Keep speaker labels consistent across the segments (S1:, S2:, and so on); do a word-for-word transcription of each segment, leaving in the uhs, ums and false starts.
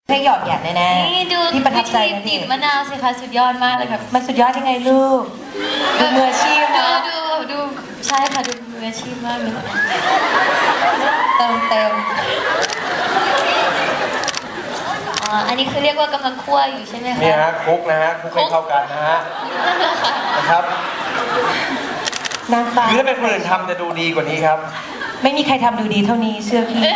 S1: ให้หยอดหยาดแน่ๆนี่ดูที่ประทับใจนะพี่
S2: มะนาวสิคะสุดยอดมากเลยครับ
S1: มันสุดยอดยังไงลูกดูมืออาชีพนะ
S2: ดูดูใช่ค่ะดูมืออาชีพมากเลย
S1: เติมเต็ม
S2: อ๋ออันนี้คือเรียกว่ากำลังคั่วอยู่ใช่ไหมคะ
S3: นี่ฮะคลุกนะฮะคลุกให้เข้ากันนะฮะนะครับ
S1: นางฟ้า
S3: คือถ้าเป็นคนอื่นทำจะดูดีกว่านี้ครับ
S1: ไม่มีใครทำดูดีเท่านี้เชื่อพี่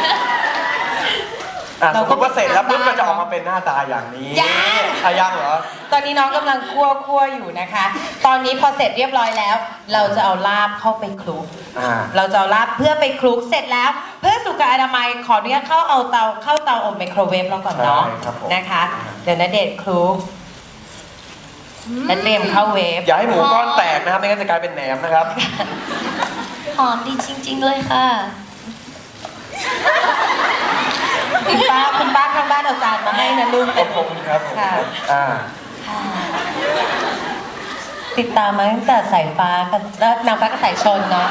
S3: สมมติว่าเสร็จแล้วปุ๊บมันจะออกมาเป็นหน้าตาอย่างนี้อายังเหรอ
S1: ตอนนี้น้องกำลังคั่วคั่วอยู่นะคะ ตอนนี้พอเสร็จเรียบร้อยแล้ว เราจะเอาลาบเข้าไปคลุกเราจะเอาลาบเพื่อไปคลุกเสร็จแล้ว เพื่อสุขอนามัยขออนุญาตเข้าเอาเตาเข้าเตาอบไมโครเวฟแล้วก่อนเนาะนะคะเดี๋ยวณเดชน์คลุกและเตรียมเข้าเวฟ
S3: อย่าให้หมูก้อนแตกนะครับไม่งั้นจะกลายเป็นแหนมนะครับ
S2: หอมดีจริงๆเลยค่ะ
S1: คุณป้าคุณป้าข้างบ้านเอาจานมาให้นะลูก
S3: ขอบคุณครับค่ะอ่า
S1: ติดตามมาตั้งแต่สายฟ้ากับแล้วนางฟ้ากับสายชนเนาะ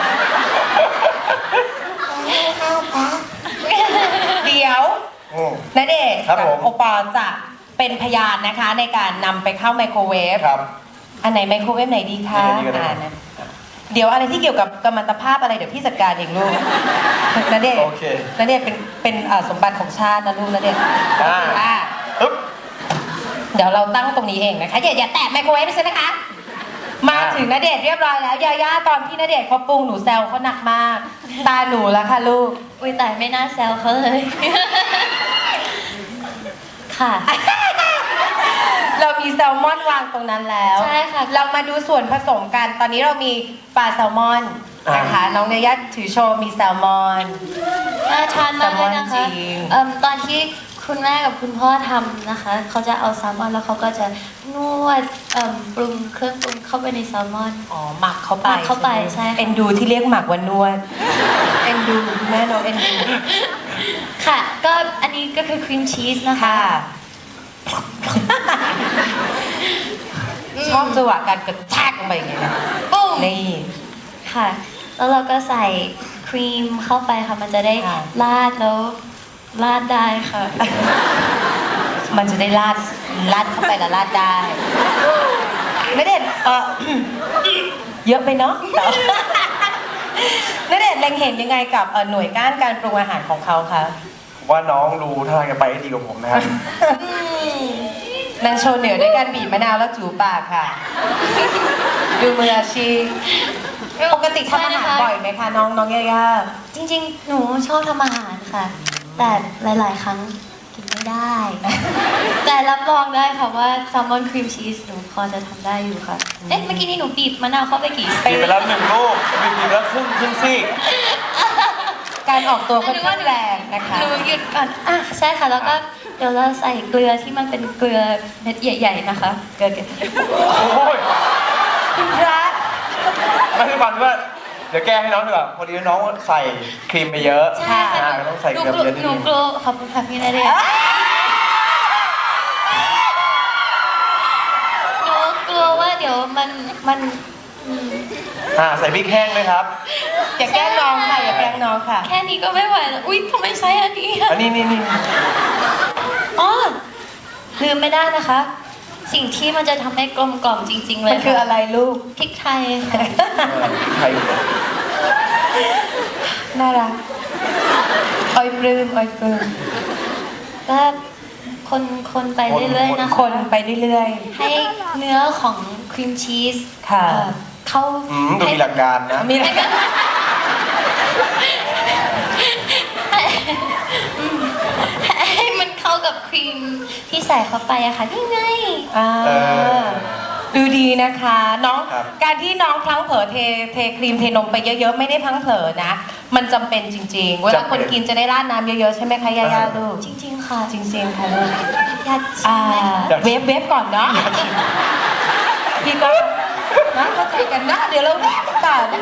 S1: เดี๋ยวณเดชน์กับโอปอล์จะเป็นพยานนะคะในการนำไปเข้าไมโครเวฟอันไหนไมโครเวฟไหนดีคะอ่านะเดี๋ยวอะไรที่เกี่ยวกับกัมมันตภาพอะไรเดี๋ยวพี่จัดการเองลูกณเดชน์ณเดชน์เป็นเป็นสมบัติของชาตินะลูกณเดชน์อ่าเดี๋ยวเราตั้งตรงนี้เองนะคะอย่าอย่าแตะไมโครเวฟใช่ไหมคะมาถึงณเดชน์เรียบร้อยแล้วยาย่าตอนที่ณเดชน์เขาปรุงหนูแซวเขาหนักมากตาหนูแล้วค่ะลูก
S2: อุ้ยแต่ไม่น่าแซวเขาเลยค่ะ
S1: เรามีแซลมอนวางตรงนั้นแล้ว
S2: ใช่ค่ะ
S1: เรามาดูส่วนผสมกันตอนนี้เรามีปลาแซลมอนนะคะน้องเนย่าถือโชว์มีแซลมอน
S2: น่าทานมากเลยนะคะตอนที่คุณแม่กับคุณพ่อทำนะคะเขาจะเอาแซลมอนแล้วเขาก็จะนวดปรุงเครื่องปรุงเข้าไปในแซลมอน
S1: อ๋อหมักเข้าไป
S2: หมักเข้าไปใช่
S1: เอ็นดูที่เรียกหมักว่านวดเอ็นดูแม่น้องเอ็นดู
S2: ค่ะก็อันนี้ก็คือครีมชีสนะคะ
S1: ชอบจังหวะการกระแทกลงไปอย่างเงี้ยนะนี่
S2: ค่ะแล้วเราก็ใส่ครีมเข้าไปค่ะมันจะได้ราดแล้วราดได้ค่ะ
S1: มันจะได้ราดราดเข้าไปแล้วราดได้ไม่เด็ดเออเยอะไปเนาะไม่เด็ดเล็งเห็นยังไงกับหน่วยก้านการปรุงอาหารของเขาคะ
S3: ว่าน้องดูท่าจะไปดีกว่าผมนะครับ
S1: นางโชว์เหนือด้วยการบีบมะนาวแล้วจูบปากค่ะดูมืออาชีพปกติทำอาหารบ่อยไหมคะน้องน้องย่า
S2: จริงๆหนูชอบทำอาหารค่ะแต่หลายๆครั้งกินไม่ได้แต่รับรองได้ค่ะว่าแซลมอนครีมชีสหนูพอจะทำได้อยู่ค่ะเอ๊ะเมื่อกี้นี้หนูบีบมะนาวเข้าไปกี่
S3: บีบไปแล้วหนึ่งลูกบีบแล้วครึ่งครึ่งซี่
S1: การออกตัวค่อนข้างแรงนะคะ
S2: หนูหยุดก่อนอ่ะใช่ค่ะแล้วก็เดี๋ยวเราใส่เกลือที่มันเป็นเกลือเม็ดใหญ่ๆนะคะเกลือ
S3: โอ้ย
S1: คุณพระ
S3: ไม่ใช่ฟันว่าเดี๋ยวแก้ให้น้องดีกว่าพอดีน้องใส่ครีมไปเยอะ
S2: ใช่ค่ะ
S3: ต้องใส่เกลือเยอะนิดนึง
S2: หนูกลัวขอบคุณค่ะพี่นาเดชหนูกลัวว่าเดี๋ยวมันมัน
S3: อ่าใส่พริกแห้งไหมครับ
S1: อย่าแกล้งน้องค่ะอย่าแกล้งน้องค่ะ
S2: แค่นี้ก็ไม่ไหวแล้วอุ้ยทำไมใช้อันนี้
S3: อันนี้นี่นี่
S2: อ๋อลืมไม่ได้นะคะ สิ่งที่มันจะทำให้กลมกล่อมจริงๆเลย
S1: มันคืออะไรลูก
S2: พริกไทยค่ะ
S3: ไทย
S1: น่ารักอ้อยปลื้มอ้อยปลื้ม
S2: ก็คนคนไปเรื่อยๆนะคะ
S1: คนไปเรื่อย
S2: ๆให้เนื้อของครีมชีส
S1: ค่ะ
S2: เข้า
S3: ดูมีหลักการนะ
S1: มีหลักการ
S2: ให้มันเข้ากับครีมที่ใส่เข้าไปอะค่ะนี่ไง
S1: ดูดีนะคะน้องการที่น้องพลั้งเผลอเทเทครีมเทนมไปเยอะๆไม่ได้พลั้งเผลอนะมันจำเป็นจริงๆเวลาคนกินจะได้ราดน้ำเยอะๆใช่ไหมคะย่าๆลูก
S2: จริงๆค่ะ
S1: จริงๆค่ะลูกเวฟเวฟก่อนเนาะพี่ก็นะเข้าใจกันนะเดี๋ยวเราเวฟก่อน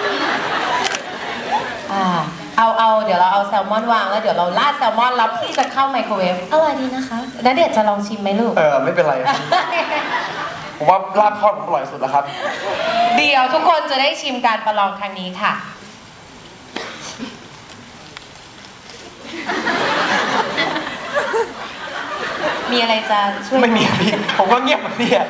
S1: อ่าเอาเอาเดี๋ยวเราเอาแซลมอนวางแล้วเดี๋ยวเราราดแซลมอนแล้วพี่จะเข้าไมโครเวฟ
S2: อร่อยดีนะคะ
S1: ณเดชน์จะลองชิมไหมลูก
S3: เออไม่เป็นไรผมว่าลาบทอดผมอร่อยสุดแล้วครับ
S1: เดี๋ยวทุกคนจะได้ชิมการประลองครั้งนี้ค่ะมีอะไรจะช่วย
S3: ไม่มีพี่ผมก็เงียบแบบนี้อะ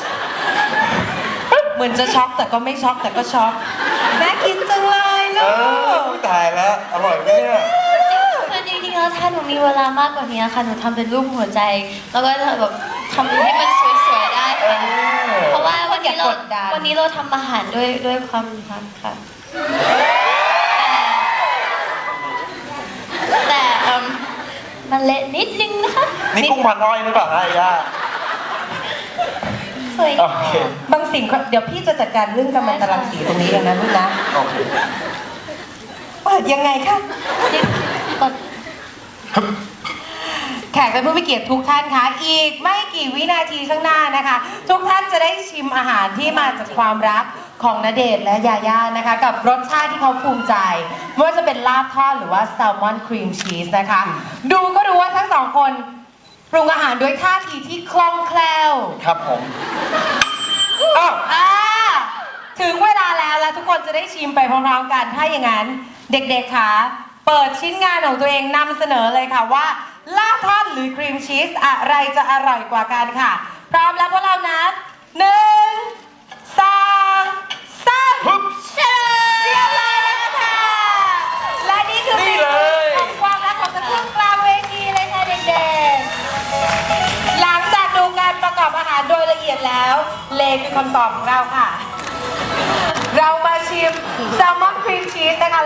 S1: เหมือนจะช็อกแต่ก็ไม่ช็อกแต่ก็ช็อกน่ากินจังเลย
S3: เอ
S1: ลู
S3: อก ตายแล้วอร่อยไหมเนี่ย
S2: คือจริงๆแล้วถ้าหนูมีเวลามากกว่านี้ค่ะหนูทำเป็นรูปหัวใจ แล้วก็แบบทำให้มันสวยๆได้
S3: เอ
S2: ค่ะ
S3: อ
S2: เพราะว่าวันนี้เรา
S1: อย่ากดดัน
S2: วันนี้เราทำอาหารด้วยด้วยความรักค่ะ แต่แต่เอิ่มมันเละนิดนึงนะคะ
S3: นี่กุ้งพันอ้อยหรือเปล่าไอ้ย่า
S2: สวย
S3: โอเค
S1: บางสิ่งเดี๋ยวพี่จะจัดการเรื่องกำมันตรังสีตรงนี้เองนะลูกนะ
S3: โอเค
S1: เปิดยังไงคะ
S2: นี่กด
S1: แขกและผู้มีเกียรติทุกท่านคะอีกไม่กี่วินาทีข้างหน้านะคะ ทุกท่านจะได้ชิมอาหารที่มาจากความรักของณเดชน์และยาย่านะคะ กับรสชาติที่เขาภูมิใจไม่ว่าจะเป็นลาบทอดหรือว่าแซลมอนครีมชีสนะคะ ดูก็รู้ว่าทั้งสองคนปรุงอาหารด้วยท่าทีที่คล่องแคล่ว
S3: ครับผมอ้าว
S1: อ่าถึงเวลาแล้วแล้วทุกคนจะได้ชิมไปพร้อมๆกันถ้าอย่างนั้นเด็กๆคะเปิดชิ้นงานของตัวเองนำเสนอเลยค่ะว่าลาบทอดหรือครีมชีสอะไรจะอร่อยกว่ากันค่ะ พร้อมแล้วพวกเรานับหนึ่งสองสาม
S3: ฮึบ
S1: เชิญเรียบร้อยแล้วนะคะและนี่คือ
S3: นี่เลย
S1: ของความรักของกระทุ่งกลางเวทีเลยค่ะเด็กๆหลังจากดูการประกอบอาหารโดยละเอียดแล้วเลคือคำตอบของเราค่ะ เรามาชิมแซลมอนครีมชีสนะคะ